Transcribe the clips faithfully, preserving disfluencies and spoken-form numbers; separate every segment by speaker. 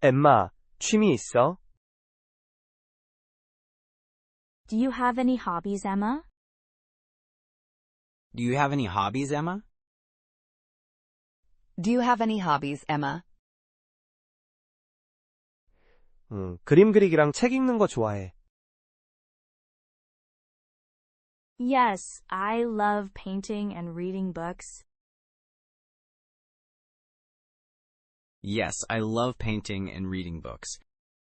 Speaker 1: 엠마, 취미 있어?
Speaker 2: Do you have any hobbies, Emma?
Speaker 3: Do you have any hobbies, Emma?
Speaker 4: Do you have any hobbies, Emma?
Speaker 1: 음, 그림 그리기랑 책 읽는 거 좋아해.
Speaker 2: Yes, I love painting and reading books.
Speaker 3: Yes, I love painting and reading books.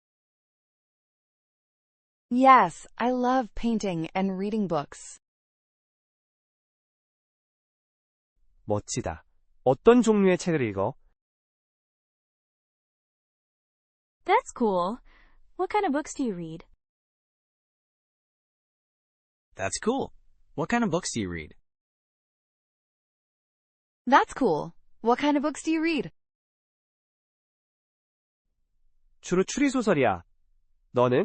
Speaker 4: Yes, I love painting and reading books.
Speaker 1: 멋지다. 어떤 종류의 책을 읽어?
Speaker 2: That's cool. What kind of books do you read?
Speaker 3: That's cool. What kind of books do you read?
Speaker 4: That's cool. What kind of books do you read?
Speaker 1: 주로 추리소설이야. 너는?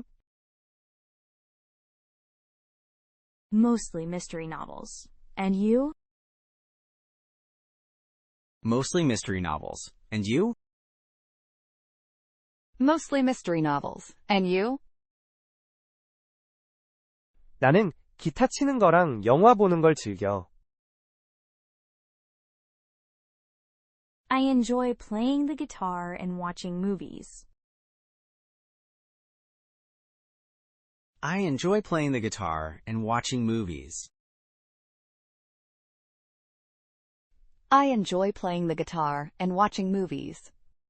Speaker 2: Mostly mystery novels. And you?
Speaker 3: Mostly mystery novels. And you?
Speaker 4: Mostly mystery novels. And you?
Speaker 1: 나는 기타 치는 거랑 영화 보는 걸 즐겨.
Speaker 2: I enjoy playing the guitar and watching movies.
Speaker 3: I enjoy playing the guitar and watching movies.
Speaker 4: I enjoy playing the guitar and watching movies.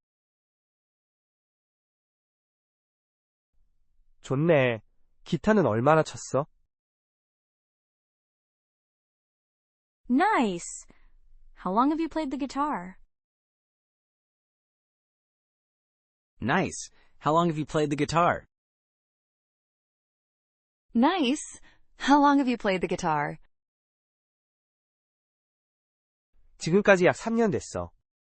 Speaker 1: 좋네. 기타는 얼마나 쳤어?
Speaker 2: Nice! How long have you played the guitar?
Speaker 3: Nice. How long have you played the guitar?
Speaker 4: Nice. How long have you played the guitar?
Speaker 1: 지금까지 약 삼 년 됐어.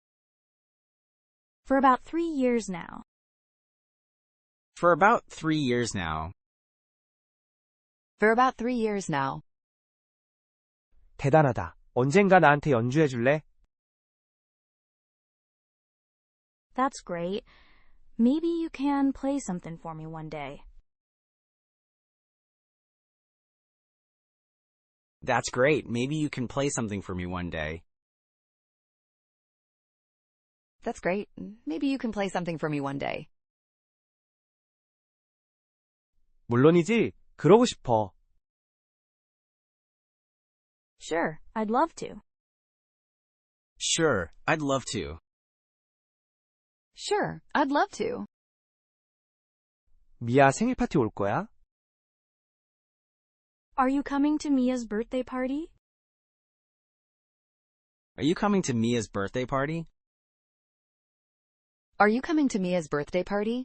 Speaker 2: For about three years now.
Speaker 3: For about three years now.
Speaker 4: For about three years now.
Speaker 1: 대단하다. 언젠가 나한테 연주해 줄래?
Speaker 2: That's great. Maybe you can play something for me one day.
Speaker 3: That's great. Maybe you can play something for me one day.
Speaker 4: That's great. Maybe you can play something for me one day.
Speaker 1: 물론이지. 그러고 싶어.
Speaker 2: Sure, I'd love to.
Speaker 3: Sure, I'd love to.
Speaker 4: Sure, I'd love to.
Speaker 1: 미아 생일 파티 올 거야?
Speaker 2: Are you coming to Mia's birthday party?
Speaker 3: Are you coming to Mia's birthday party?
Speaker 4: Are you coming to Mia's birthday party?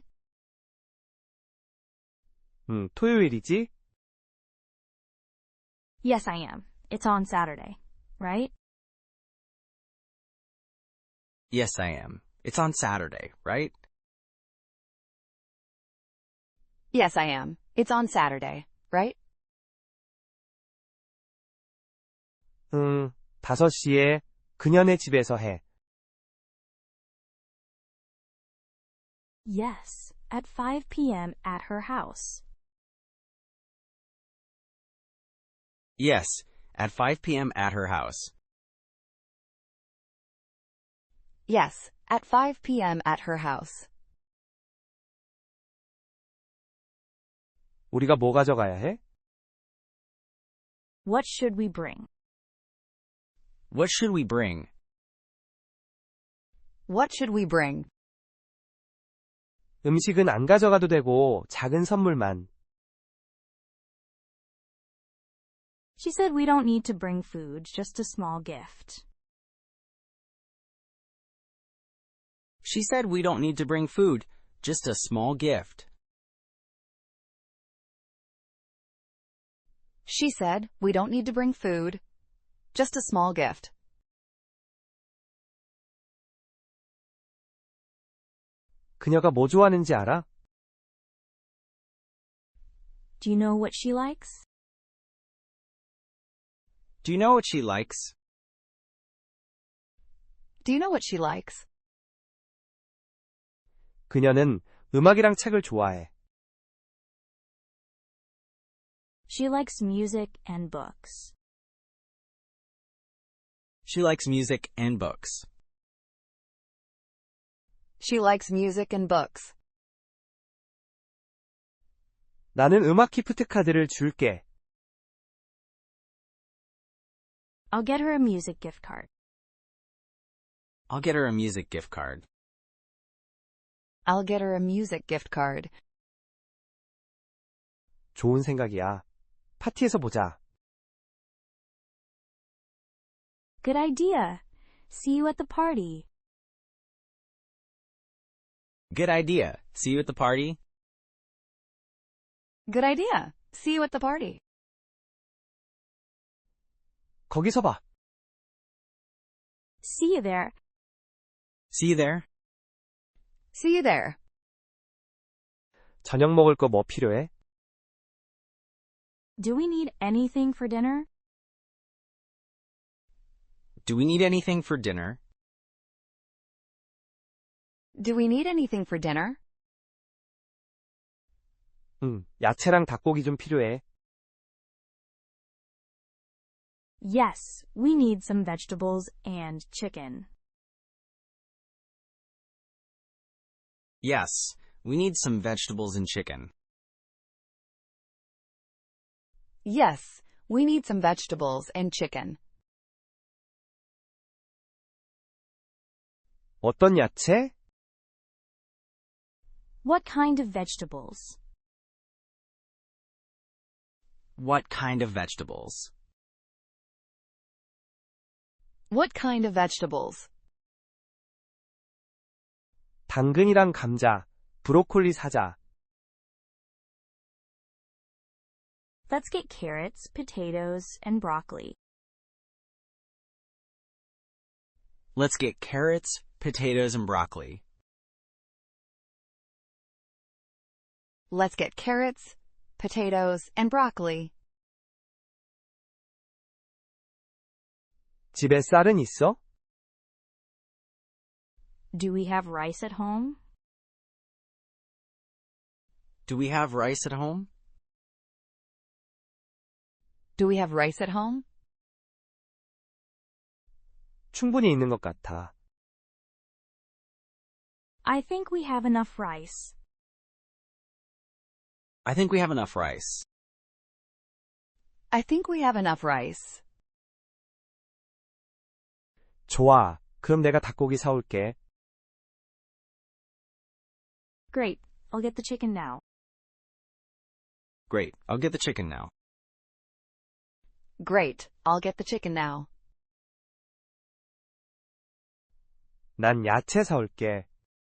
Speaker 1: 음, 토요일이지?
Speaker 2: Yes, I am. It's on Saturday, right?
Speaker 3: Yes, I am. It's on Saturday, right?
Speaker 4: Yes, I am. It's on Saturday, right?
Speaker 1: 응, 다섯 시에 그녀네 집에서 해.
Speaker 2: Yes, at five p.m. at her house.
Speaker 3: Yes, at five p.m. at her house.
Speaker 4: Yes, at five p.m. at her house.
Speaker 1: 우리가 뭐 가져가야 해?
Speaker 2: What should we bring?
Speaker 3: What should we bring?
Speaker 4: What should we bring?
Speaker 1: 음식은 안 가져가도 되고 작은 선물만.
Speaker 2: She said we don't need to bring food, just a small gift.
Speaker 3: She said we don't need to bring food, just a small gift.
Speaker 4: She said we don't need to bring food, just a small gift.
Speaker 1: 그녀가 뭐 좋아하는지 알아?
Speaker 2: Do you know what she likes?
Speaker 3: Do you know what she likes?
Speaker 4: Do you know what she likes?
Speaker 1: 그녀는 음악이랑 책을 좋아해.
Speaker 2: She likes music and books.
Speaker 3: She likes music and books.
Speaker 4: She likes music and books.
Speaker 1: 나는 음악 기프트 카드를 줄게.
Speaker 2: I'll get her a music gift card.
Speaker 3: I'll get her a music gift card.
Speaker 4: I'll get her a music gift card.
Speaker 1: 좋은 생각이야. 파티에서 보자.
Speaker 2: Good idea. See you at the party.
Speaker 3: Good idea. See you at the party.
Speaker 4: Good idea. See you at the party.
Speaker 1: 거기서 봐.
Speaker 2: See you there.
Speaker 3: See you there.
Speaker 4: See you there.
Speaker 1: 저녁 먹을 거 뭐 필요해?
Speaker 2: Do we need anything for dinner?
Speaker 3: Do we need anything for dinner?
Speaker 4: Do we need anything for dinner?
Speaker 1: 응, 야채랑 닭고기 좀 필요해.
Speaker 2: Yes, we need some vegetables and chicken.
Speaker 3: Yes, we need some vegetables and chicken.
Speaker 4: Yes, we need some vegetables and chicken.
Speaker 1: 어떤 야채?
Speaker 2: What kind of vegetables?
Speaker 3: What kind of vegetables?
Speaker 4: What kind of vegetables?
Speaker 1: 당근이랑 감자, 브로콜리 사자.
Speaker 2: Let's get carrots, potatoes, and broccoli.
Speaker 3: Let's get carrots, potatoes, and broccoli.
Speaker 4: Let's get carrots, potatoes, and broccoli.
Speaker 1: 집에 쌀은 있어?
Speaker 2: Do we have rice at home?
Speaker 3: Do we have rice at home?
Speaker 4: Do we have rice at home?
Speaker 1: 충분히 있는 것 같아.
Speaker 2: I think we have enough rice.
Speaker 3: I think we have enough rice.
Speaker 4: I think we have enough rice.
Speaker 1: 좋아. 그럼 내가 닭고기 사올게.
Speaker 2: Great, I'll get the chicken now.
Speaker 3: Great, I'll get the chicken now.
Speaker 4: Great, I'll get the chicken now.
Speaker 1: 난 야채 사올게.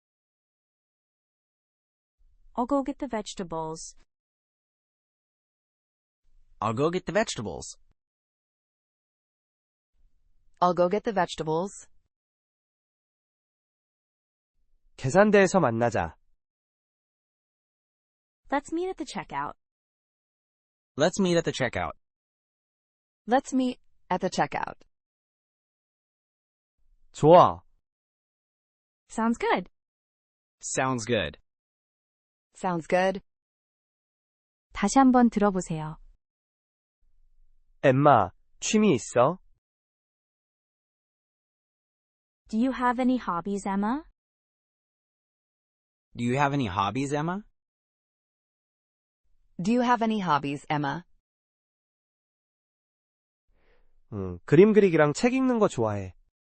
Speaker 2: I'll go get the vegetables.
Speaker 3: I'll go get the vegetables.
Speaker 4: I'll go get the vegetables.
Speaker 1: 계산대에서 만나자.
Speaker 2: Let's meet at the checkout.
Speaker 3: Let's meet at the checkout.
Speaker 4: Let's meet at the checkout.
Speaker 1: 좋아.
Speaker 2: Sounds good.
Speaker 3: Sounds good.
Speaker 4: Sounds good.
Speaker 2: 다시 한번 들어보세요.
Speaker 1: 엠마, 취미 있어?
Speaker 2: Do you have any hobbies, Emma?
Speaker 3: Do you have any hobbies, Emma?
Speaker 4: Do you have any hobbies, Emma?
Speaker 1: 응, 그림 그리기랑 책 읽는 거 좋아해.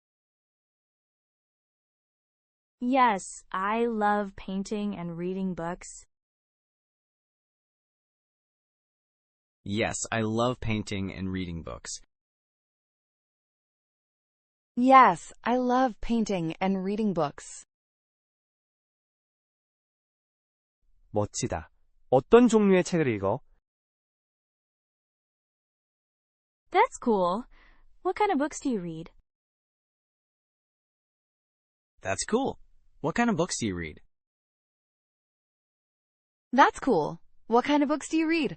Speaker 2: Yes, I love painting and reading books.
Speaker 3: Yes, I love painting and reading books.
Speaker 4: Yes, I love painting and reading books.
Speaker 1: 멋지다. 어떤 종류의 책을 읽어?
Speaker 2: That's cool. What kind of books do you read?
Speaker 3: That's cool. What kind of books do you read?
Speaker 4: That's cool. What kind of books do you read?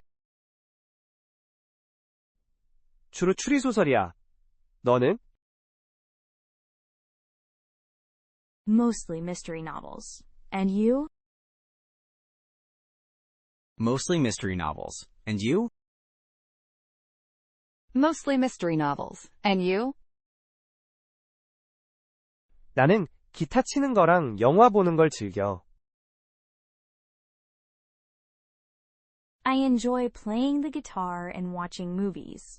Speaker 1: 주로 추리소설이야. 너는?
Speaker 2: Mostly mystery novels. And you?
Speaker 3: Mostly mystery novels. And you?
Speaker 4: Mostly mystery novels. And you?
Speaker 1: 나는 기타 치는 거랑 영화 보는 걸 즐겨.
Speaker 2: I enjoy playing the guitar and watching movies.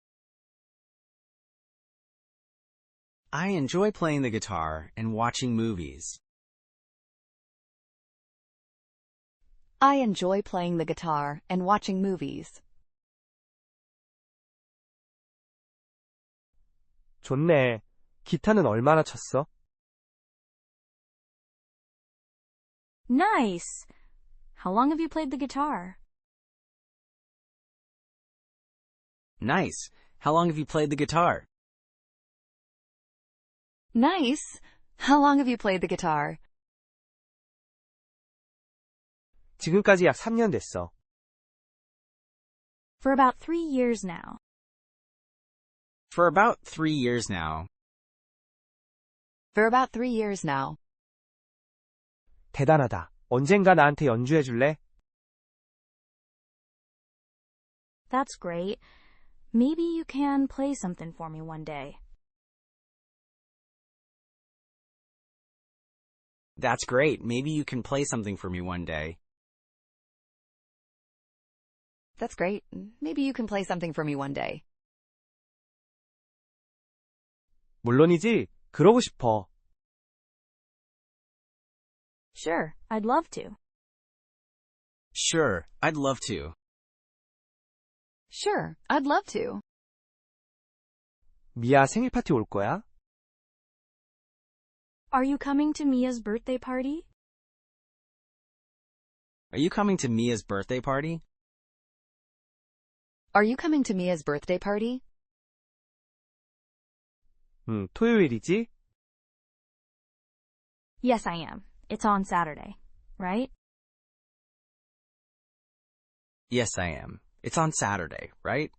Speaker 3: I enjoy playing the guitar and watching movies.
Speaker 4: I enjoy playing the guitar and watching movies.
Speaker 1: 좋네. 기타는 얼마나 쳤어?
Speaker 2: Nice! How long have you played the guitar?
Speaker 3: Nice. How long have you played the guitar?
Speaker 4: Nice! How long have you played the guitar?
Speaker 1: 지금까지 약 삼 년 됐어.
Speaker 2: For about three years now.
Speaker 3: For about three years now.
Speaker 4: For about three years now.
Speaker 1: 대단하다. 언젠가 나한테 연주해 줄래?
Speaker 2: That's great. Maybe you can play something for me one day.
Speaker 3: That's great. Maybe you can play something for me one day.
Speaker 4: That's great. Maybe you can play something for me one day.
Speaker 1: 물론이지. 그러고 싶어.
Speaker 2: Sure, I'd love to.
Speaker 3: Sure, I'd love to.
Speaker 4: Sure, I'd love to.
Speaker 1: 미아 생일 파티 올 거야?
Speaker 2: Are you coming to Mia's birthday party?
Speaker 3: Are you coming to Mia's birthday party?
Speaker 4: Are you coming to Mia's birthday party?
Speaker 1: 응, 토요일이지?
Speaker 2: Yes, I am. It's on Saturday, right?
Speaker 3: Yes, I am. It's on Saturday, right?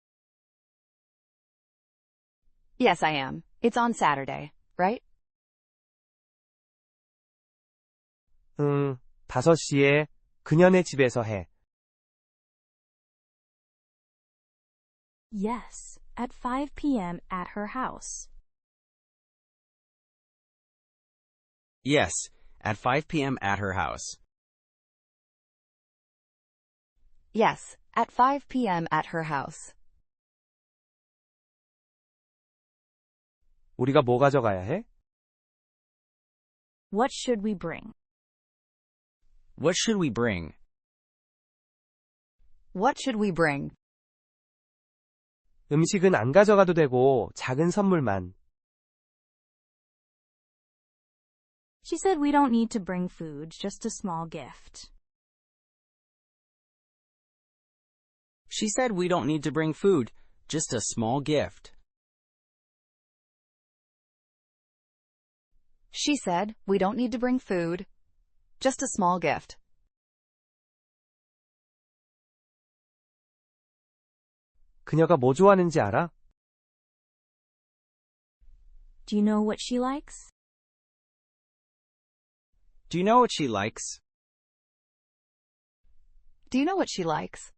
Speaker 4: Yes, I am. It's on Saturday, right?
Speaker 1: 응, 다섯 시에 그녀네 집에서 해.
Speaker 2: Yes, at five p.m. at her house.
Speaker 3: Yes, at five p.m. at her house.
Speaker 4: Yes, at five p.m. at her house.
Speaker 1: 우리가 뭐 가져가야 해?
Speaker 2: What should we bring?
Speaker 3: What should we bring?
Speaker 4: What should we bring?
Speaker 1: 음식은 안 가져가도 되고 작은 선물만.
Speaker 2: She said we don't need to bring food, just a small gift.
Speaker 3: She said we don't need to bring food, just a small gift.
Speaker 4: She said we don't need to bring food, just a small gift.
Speaker 1: 그녀가 뭐 좋아하는지 알아?
Speaker 2: Do you know what she likes?
Speaker 3: Do you know what she likes?
Speaker 4: Do you know what she likes?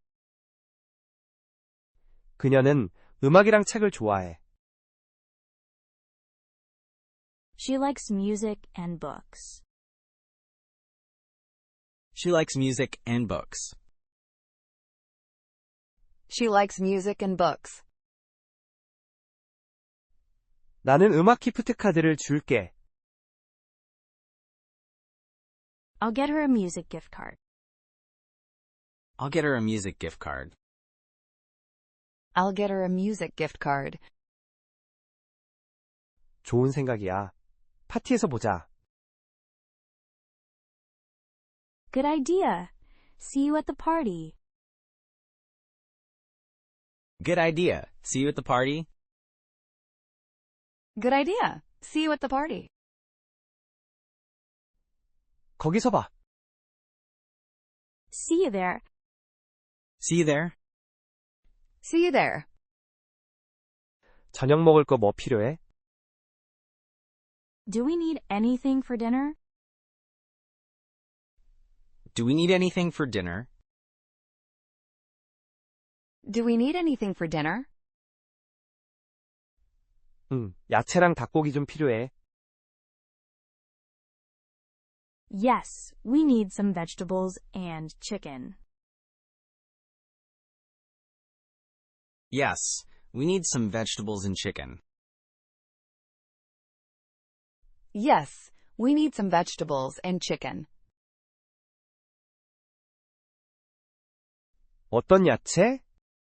Speaker 1: 그녀는 음악이랑 책을 좋아해.
Speaker 2: She likes music and books.
Speaker 3: She likes music and books.
Speaker 4: She likes music and books.
Speaker 1: 나는 음악 기프트 카드를 줄게.
Speaker 2: I'll get her a music gift card.
Speaker 3: I'll get her a music gift card.
Speaker 4: I'll get her a music gift card.
Speaker 1: 좋은 생각이야. 파티에서 보자.
Speaker 2: Good idea. See you at the party.
Speaker 3: Good idea. See you at the party.
Speaker 4: Good idea. See you at the party.
Speaker 1: 거기서 봐.
Speaker 2: See you there.
Speaker 3: See you there.
Speaker 4: See you there.
Speaker 1: 저녁 먹을 거 뭐 필요해?
Speaker 2: Do we need anything for dinner?
Speaker 3: Do we need anything for dinner?
Speaker 4: Do we need anything for dinner?
Speaker 1: 응, 야채랑 닭고기 좀 필요해.
Speaker 2: Yes, we need some vegetables and chicken.
Speaker 3: Yes, we need some vegetables and chicken.
Speaker 4: Yes, we need some vegetables and chicken.
Speaker 1: 어떤 야채?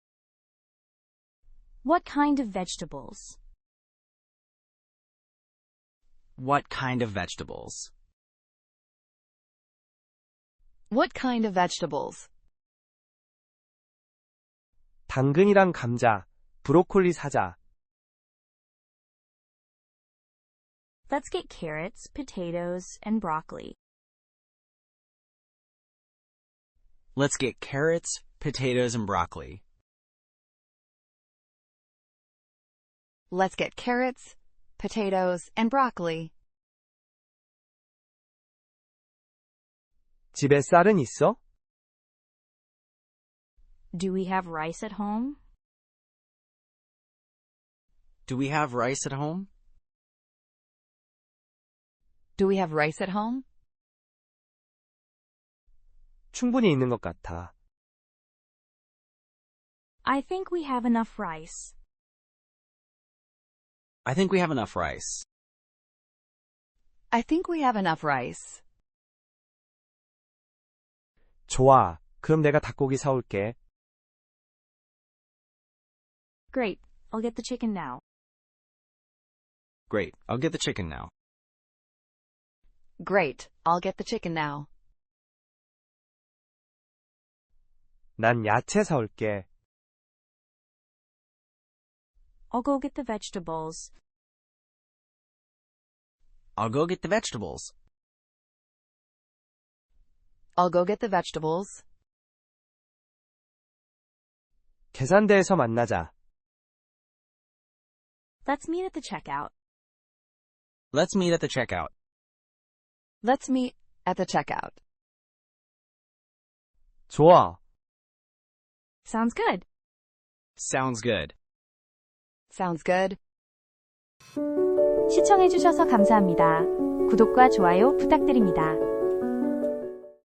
Speaker 2: What kind of vegetables?
Speaker 3: What kind of vegetables?
Speaker 4: What kind of vegetables?
Speaker 1: 당근이랑 감자, 브로콜리 사자.
Speaker 2: Let's get carrots, potatoes, and broccoli.
Speaker 3: Let's get carrots, potatoes, and broccoli.
Speaker 4: Let's get carrots, potatoes, and broccoli.
Speaker 1: 집에 쌀은 있어?
Speaker 2: Do we have rice at home?
Speaker 3: Do we have rice at home?
Speaker 4: Do we have rice at home?
Speaker 1: 충분히 있는 것 같아.
Speaker 2: I think we have enough rice.
Speaker 3: I think we have enough rice.
Speaker 4: I think we have enough rice.
Speaker 1: 좋아. 그럼 내가 닭고기 사올게.
Speaker 2: Great, I'll get the chicken now.
Speaker 3: Great, I'll get the chicken now.
Speaker 4: Great, I'll get the chicken now.
Speaker 1: 난 야채 사올게.
Speaker 2: I'll go get the vegetables.
Speaker 3: I'll go get the vegetables.
Speaker 4: I'll go get the vegetables.
Speaker 1: 계산대에서 만나자.
Speaker 2: Let's meet at the checkout.
Speaker 3: Let's meet at the checkout.
Speaker 4: Let's meet at the checkout.
Speaker 1: 좋아.
Speaker 2: Sounds good.
Speaker 3: Sounds good.
Speaker 4: Sounds good.
Speaker 2: 시청해주셔서 감사합니다. 구독과 좋아요 부탁드립니다.